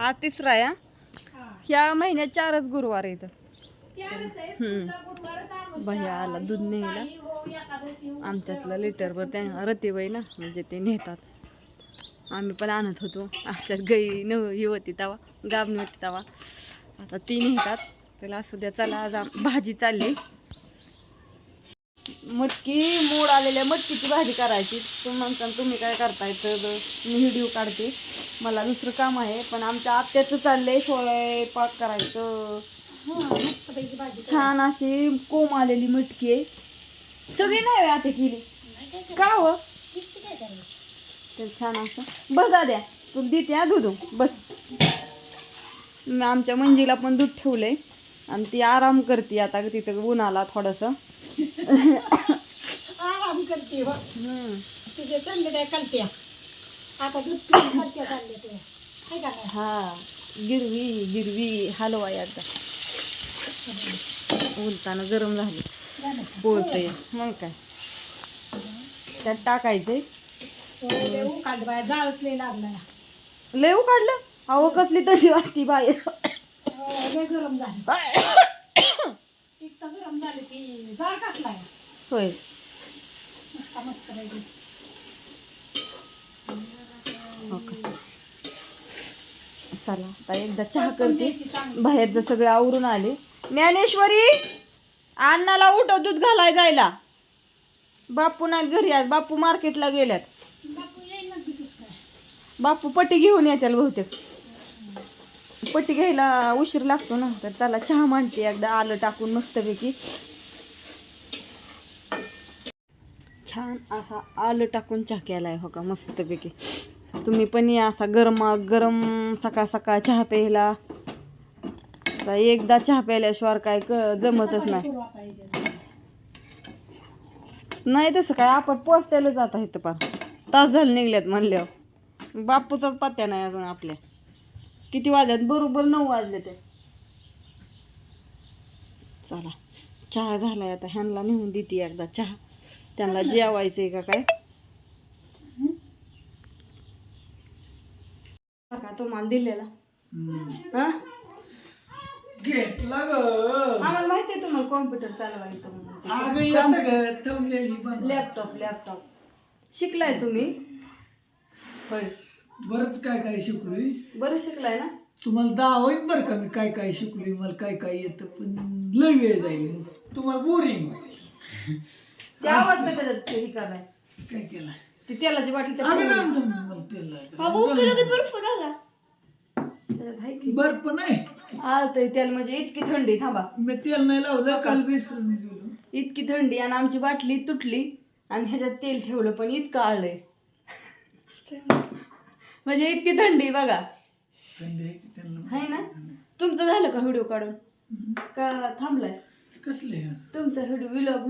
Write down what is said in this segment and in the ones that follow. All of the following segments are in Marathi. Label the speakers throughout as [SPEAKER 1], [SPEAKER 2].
[SPEAKER 1] आज तिसरा आहे ह्या महिन्यात 4च गुरुवार आहेत. भैया आला दूध न्यायला आमच्यातलं लिटरभर त्या रतीबाई ना म्हणजे ते नेतात. आम्ही पण आणत होतो आमच्यात गाई ही होती तवा गाबणी होती तवा. आता ती नेतात त्याला असू द्या. चला आज भाजी चालली मटकी मोड आलेल्या मटकीची भाजी करायची. तुम्ही काय करताय तर मी व्हिडिओ काढते. मला दुसरं काम आहे पण आमच्या आत्याचं चाललंय स्वयंपाक करायचं. छान अशी कोंब आलेली मटकी आहे. सगळी नाही आता केली का हो तर छान असं. बस दाद्या तुला देते दूध बस. आमच्या मंजीला पण दूध ठेवलंय आणि ती आराम करते आता तिथं उन्हाला थोडंसं
[SPEAKER 2] आराम करते. तिथे चालले काय कलत्या आता दूध चालले ते
[SPEAKER 1] हा गिरवी गिरवी हलवा आता उलताना गरम झाले पोळतंय मग काय त्यात टाकायचंय.
[SPEAKER 2] जाळच लय लागला
[SPEAKER 1] लय काढलं अहो कसली तटी वाजती बाहेर.
[SPEAKER 2] गरम झाली इतकं गरम झालं की जाळ कसलाय
[SPEAKER 1] होय
[SPEAKER 2] मस्त मस्त पाहिजे.
[SPEAKER 1] चला आता एकदा चहा करते. बाहेरचं सगळं आवरून आले. ज्ञानेश्वरी अण्णाला उठव दूध घालाय जायला. बापू नाही घरी आज बापू मार्केटला गेल्यात. बापू पट्टी घेऊन येतील बहुतेक. पट्टी घ्यायला उशीर लागतो ना तर त्याला चहा मांडते एकदा आलं टाकून मस्तपैकी. छान असा आलं टाकून चहा केलाय हो का मस्तपैकी. तुम्ही पण या असा गरम सकाळ सकाळ चहा प्यायला. एकदा चहा प्यायल्याशिवाय काय जमतच नाही तसं काय. आपण पोचत्याला जात आहे तर पार तास झाले निघल्यात म्हणल्यावर. बापूचाच पत्त्या नाही अजून आपल्या. किती वाजल्यात बरोबर 9 वाजले ते. चला चहा झालाय आता ह्यांना नेऊन देते एकदा चहा. त्यांना जेवायचंय का काय तुम्हाला दिलेला हा
[SPEAKER 2] घेतला ग
[SPEAKER 1] आम्हाला माहितीये तुम्हाला कॉम्प्युटर चालवायचं म्हणून. लॅपटॉप शिकलाय तुम्ही होय.
[SPEAKER 2] बरंच काय काय शिकलोय.
[SPEAKER 1] बरं शिकलाय ना.
[SPEAKER 2] तुम्हाला दावईन बरं का मी काय काय शिकलोय. मला काय काय येतं पण लय वेळ जाईल तुम्हाला बोरिंग
[SPEAKER 1] ते आवडतं त्याच्यात हे कराय.
[SPEAKER 2] काय केलं
[SPEAKER 1] ती तेलाची बाटली
[SPEAKER 2] बर्फ नाही
[SPEAKER 1] आलतंय तेल म्हणजे इतकी थंडी. थांबा
[SPEAKER 2] मी तेल नाही लावलं काल विसरून गेलो.
[SPEAKER 1] इतकी थंडी आणि आमची बाटली तुटली आणि ह्याच्यात तेल ठेवलं पण इतकं आळलंय म्हणजे इतकी थंडी बघा. आहे ना. तुमचं झालं का व्हिडिओ काढून का थांबलाय.
[SPEAKER 2] कसले
[SPEAKER 1] तुमचा व्हिडिओ विलॉग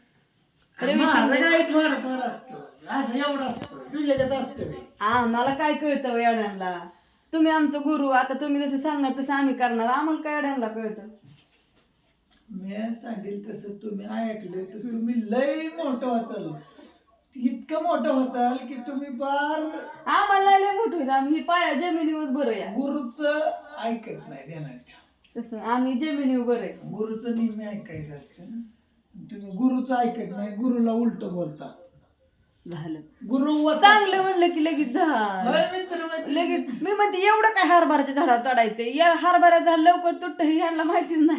[SPEAKER 1] आम्हाला काय कळतं एवढ्यांना. तुम्ही आमचं गुरु. आता तुम्ही जसं सांगणार तसं आम्ही करणार. आम्हाला काय एवढ्यांना कळतं.
[SPEAKER 2] मी सांगेल तसं तुम्ही ऐकलं तर तुम्ही लय मोठं वाचाल. इतकं मोठं होताल की तुम्ही बार
[SPEAKER 1] आम्हाला लय मोठं होतं. आम्ही पाया जमिनीवर बरं या
[SPEAKER 2] गुरुच ऐकत नाही देणार.
[SPEAKER 1] तसं आम्ही जमिनीवर बरं आहे.
[SPEAKER 2] गुरुचं नेहमी ऐकायचं असतं. तुम्ही गुरुचं ऐकत नाही. गुरुला उलट बोलता.
[SPEAKER 1] झालं
[SPEAKER 2] गुरु
[SPEAKER 1] चांगलं म्हणलं की लगेच झालं लगेच. मी म्हणते एवढं काय हरभऱ्याच्या झाडावर चढायचंय. या हरभऱ्याचं झाड लवकर तुटत हे ह्यांना माहितीच नाही.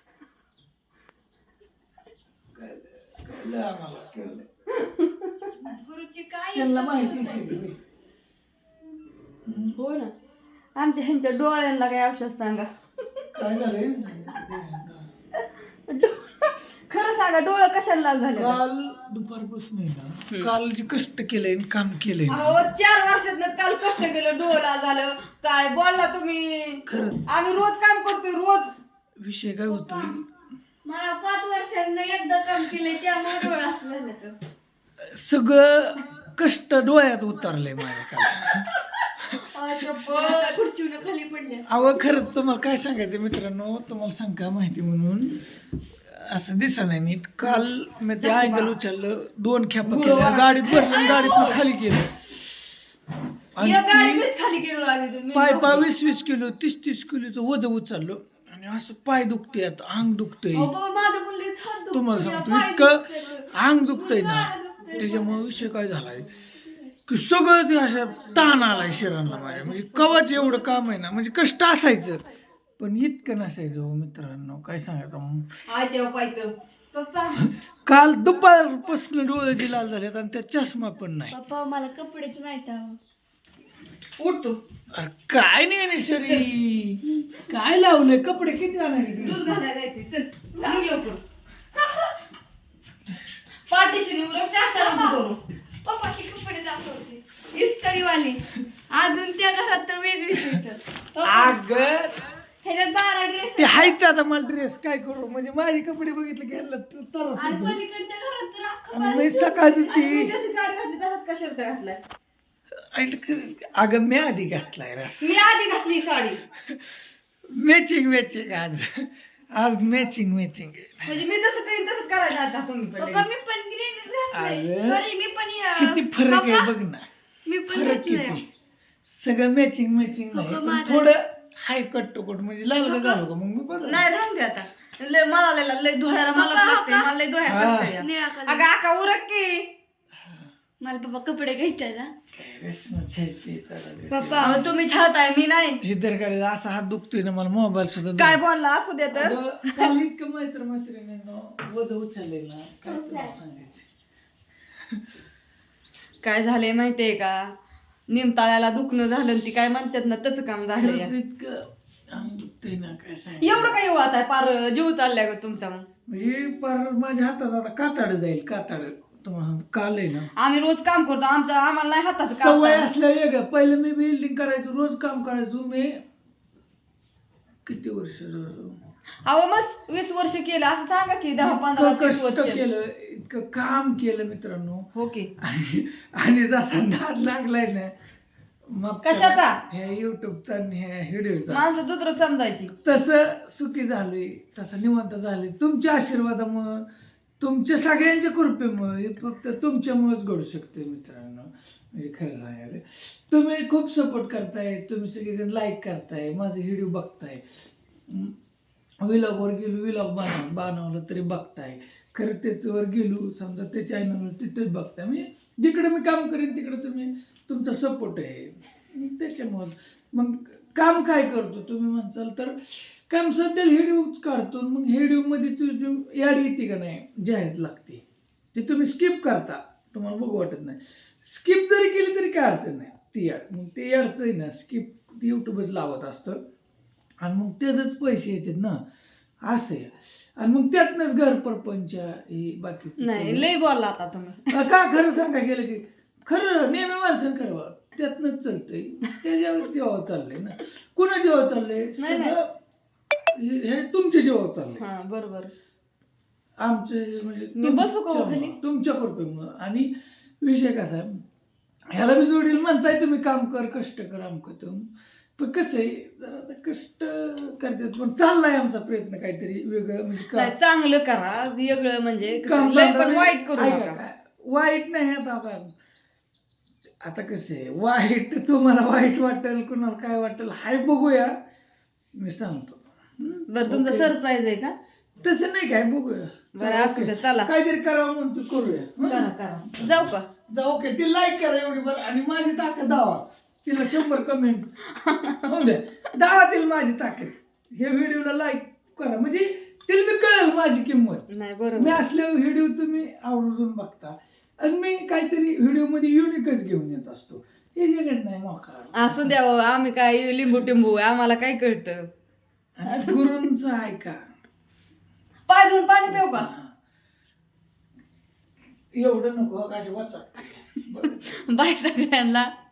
[SPEAKER 1] गुरुची काय
[SPEAKER 2] माहिती
[SPEAKER 1] हो ना. आमच्या ह्यांच्या डोळ्यांना काय औषध सांगा.
[SPEAKER 2] काय झालंय
[SPEAKER 1] खरं सांगा डोळं कशाला लाल झाले.
[SPEAKER 2] काल दुपारपासून ना काल जे कष्ट केलंय काम केलंय
[SPEAKER 1] 4 वर्षात काल कष्ट केलं डोळं लाल झालं. काय बोलला तुम्ही.
[SPEAKER 2] खरंच
[SPEAKER 1] आम्ही रोज काम करतोय रोज.
[SPEAKER 2] विषय काय होतोय
[SPEAKER 1] मला 5 वर्षांना एकदा काम केलंय त्यामुळे डोळा झालं. तर
[SPEAKER 2] सगळं कष्ट डोळ्यात उतरलंय माझ्या काल.
[SPEAKER 1] खुर्चीवर खाली पडले.
[SPEAKER 2] अहो खरंच तुम्हाला काय सांगायचं मित्रांनो. तुम्हाला सांगा माहिती म्हणून असं दिसा नाही नीट. काल मी ते अँगल उचललं 2 खेपा केल्या गाडीत भरलं गाडीत खाली केलं. आणि
[SPEAKER 1] एक गाडी
[SPEAKER 2] ती
[SPEAKER 1] मीच खाली केलो लागली तुम्ही
[SPEAKER 2] पाय 20-20 किलो 30-30 किलोचं वजन उचललो आणि असं पाय दुखते आता अंग दुखतंय
[SPEAKER 1] माझ्या मुलीच हात दुखतोय,
[SPEAKER 2] तुम्हाला सांगतो
[SPEAKER 1] पाय
[SPEAKER 2] इतकं
[SPEAKER 1] दुखतोय.
[SPEAKER 2] अंग दुखतंय ना त्याच्यामुळे विषय काय झालाय की सगळं ते असं ताण आलाय शरीराला माझ्या म्हणजे कवाच एवढं काम आहे ना म्हणजे कष्ट असायचं पण इतकं नसायचं हो मित्रांनो काय सांगायचं मग
[SPEAKER 1] आय तेव्हा पायतं. पप्पा
[SPEAKER 2] काल दुपारपासून डोळ्याची लाल झाल्यात आणि त्या चष्मा पण नाही
[SPEAKER 1] पप्पा मला कपडेच नाही उठतो
[SPEAKER 2] अरे काय नाही शरी काय लावलंय कपडे किती आणायचे
[SPEAKER 1] दूध घालायला जायचे चल निघ लवकर पार्टीशन करू
[SPEAKER 3] पप्पाचे कपडे दाखवते इस्त्रीवाली अजून त्या घरात तर वेगळीच
[SPEAKER 2] अग
[SPEAKER 3] ह्याच्यात 12 ड्रेस
[SPEAKER 2] ते आहेत आता मला ड्रेस काय करू म्हणजे माझे कपडे बघितले घ्यायला तरच
[SPEAKER 3] आणि
[SPEAKER 2] होतं.
[SPEAKER 3] पलीकडच्या घरात तर अख्खं
[SPEAKER 2] आणि मी सकाळची ती
[SPEAKER 1] जशी साडी घातली तसाच का शर्ट घातलाय
[SPEAKER 2] अगं मी आधी घातलाय रस
[SPEAKER 1] मी आधी घातली साडी
[SPEAKER 2] मॅचिंग आज मॅचिंग
[SPEAKER 1] म्हणजे मी जसं करीन तसंच करायचं आता तुम्ही पण
[SPEAKER 3] पप्पा मी पण ग्रीनच घातलंय
[SPEAKER 2] अगं,
[SPEAKER 3] सॉरी मी पण
[SPEAKER 2] किती फरक आहे
[SPEAKER 3] पप्पा,
[SPEAKER 2] बघ ना
[SPEAKER 3] मी पण
[SPEAKER 2] फरक
[SPEAKER 3] घातलंय
[SPEAKER 2] किती सगळं मॅचिंग नाही
[SPEAKER 3] पप्पा,
[SPEAKER 2] पण
[SPEAKER 3] माझा-
[SPEAKER 2] थोडं हाय कट टू कट म्हणजे लागलं घालू का मग मी बदल
[SPEAKER 1] नाही राहून दे आता लय मला लय धुवायला मला
[SPEAKER 3] पप्पा,
[SPEAKER 1] लागते
[SPEAKER 3] पप्पा.
[SPEAKER 1] मला लय धुवायला
[SPEAKER 2] हा.
[SPEAKER 1] कष्ट आहे.
[SPEAKER 3] निळा
[SPEAKER 1] अगं
[SPEAKER 3] कलर
[SPEAKER 1] आका उरक की
[SPEAKER 3] मला पप्पा कपडे घ्यायचे ना
[SPEAKER 2] काय रस्मच आहे ते तर.
[SPEAKER 3] पप्पा
[SPEAKER 1] अहो, तुम्ही छाताय मी नाही
[SPEAKER 2] हे तर काय असा हात दुखतोय ना मला मोबाईल सुद्धा
[SPEAKER 1] काय बोलला असू दे तर
[SPEAKER 2] अगं, काल इतकं मैत्रिणींना वजन उचलले ना काय तुला सांगायचं
[SPEAKER 1] काय झालंय माहितीये का निमताळ्याला दुखणं झालं आणि ती काय म्हणतात ना तसं काम झालं
[SPEAKER 2] खरंच इतकं अंग दुखतंय ना काय सांगायचं
[SPEAKER 1] एवढं काय वाट आहे पार जीव चाललाय ग तुमचा मग
[SPEAKER 2] म्हणजे पार माझ्या हातात आता काताड जाईल काताड तुम्हाला सांगतो काल आहे ना
[SPEAKER 1] आम्ही रोज काम करतो आम्हाला नाही हाताचं काम
[SPEAKER 2] सवय
[SPEAKER 1] करायचं.
[SPEAKER 2] असल्या वेगळं पहिलं मी बिल्डिंग करायचो रोज काम करायचो मी किती वर्ष
[SPEAKER 1] अहो मस्त 20 वर्ष केलं असं सांगा की 10-15
[SPEAKER 2] इतकं
[SPEAKER 1] 30
[SPEAKER 2] कष्ट
[SPEAKER 1] वर्ष
[SPEAKER 2] केलं इतकं काम केलं मित्रांनो
[SPEAKER 1] हो की
[SPEAKER 2] आणि जसा नाद लागलाय ना मग
[SPEAKER 1] कशाचा?
[SPEAKER 2] ह्या युट्यूबचा आणि ह्या व्हिडिओचा
[SPEAKER 1] माणसं दुसरं समजायची
[SPEAKER 2] तसं सुखी झाले तसं निवांत झाले तुमच्या आशीर्वादामुळं तुमच्या सगळ्यांच्या कृपेमुळे हे फक्त तुमच्यामुळेच घडू शकते मित्रांनो म्हणजे खरं सांगायचं तुम्ही खूप सपोर्ट करताय तुम्ही सगळेजण लाईक करताय माझे व्हिडिओ बघताय विलॉगवर गेलो विलॉग बनवलं तरी बघताय खरं त्याच्यावर गेलो समजा ते चॅनलवर तिथेच बघताय म्हणजे जिकडे मी काम करेन तिकडे तुम्ही तुमचा सपोर्ट आहे त्याच्यामुळं मग काम काय करतो तुम्ही म्हणसाल तर काम सध्या व्हिडिओच काढतो मग व्हिडिओमध्ये तुझी याड येते का नाही जाहिरात लागते ते तुम्ही स्किप करता तुम्हाला बघू वाटत नाही स्किप जरी केली तरी काय अडचण नाही ती याड मग ते याडचं आहे ना स्किप यूट्यूबच लावत असतं आणि मग त्याचंच पैसे येतात ना असं आहे आणि मग त्यातनंच घर परपंच हे बाकीचं
[SPEAKER 1] नाही लय बोलला आता तुम्ही
[SPEAKER 2] का खरं सांगा गेलं की खरं नेहमी माणसानं खरं त्यातनंच चालतंय त्याच्यावर जेव्हा चाललंय ना कुणा जेव्हा चाललंय
[SPEAKER 1] नाही, नाही.
[SPEAKER 2] सगळं हे तुमच्या जेव्हा चाललंय
[SPEAKER 1] हा बरोबर
[SPEAKER 2] आमचे म्हणजे
[SPEAKER 1] मी बसू का हो खाली?
[SPEAKER 2] तुमच्या कृपेमुळं आणि विषय कसा आहे ह्याला बी जोडील म्हणताय तुम्ही काम कर कष्ट कर आमक पण कसं आहे जरा आता कष्ट करतात पण चाललाय आमचा प्रयत्न काहीतरी वेगळं म्हणजे
[SPEAKER 1] नाही चांगलं करा वेगळं म्हणजे कसं,
[SPEAKER 2] काम
[SPEAKER 1] लय
[SPEAKER 2] धंदा
[SPEAKER 1] पण
[SPEAKER 2] नाही.
[SPEAKER 1] वाईट करू
[SPEAKER 2] ऐका
[SPEAKER 1] नका
[SPEAKER 2] काय वाईट नाही आता कसं आहे वाईट तुम्हाला वाईट वाटेल कुणाला काय वाटेल हाय बघूया मी सांगतो
[SPEAKER 1] बरं तुमचा
[SPEAKER 2] ओके.
[SPEAKER 1] सरप्राईज आहे का
[SPEAKER 2] तसं नाही काय बघूया
[SPEAKER 1] बरं असू दे चला
[SPEAKER 2] काहीतरी करावं म्हणतो करूया हं?
[SPEAKER 1] करा करा जाऊ का
[SPEAKER 2] जा ओके ती लाईक करा एवढी बरं आणि माझी ताकद दावा तिला 100 कमेंट होऊन द्या दावा तिला माझी ताकद हे व्हिडिओला लाईक करा म्हणजे तिला मी कळेल माझी किंमत
[SPEAKER 1] नाही
[SPEAKER 2] मी
[SPEAKER 1] बरोबर
[SPEAKER 2] असले व्हिडिओ तुम्ही आवर्जून बघता आणि मी काहीतरी व्हिडिओ मध्ये युनिकच घेऊन येत असतो हे जगत नाही मोका
[SPEAKER 1] असू द्या बाबा, आम्ही काय लिंबू टिंबू आम्हाला काय कळतं
[SPEAKER 2] गुरूंच आहे का
[SPEAKER 1] पाय धुवून पाणी पिऊ का
[SPEAKER 2] एवढं नको अशी वाचा
[SPEAKER 1] बाय सगळ्यांना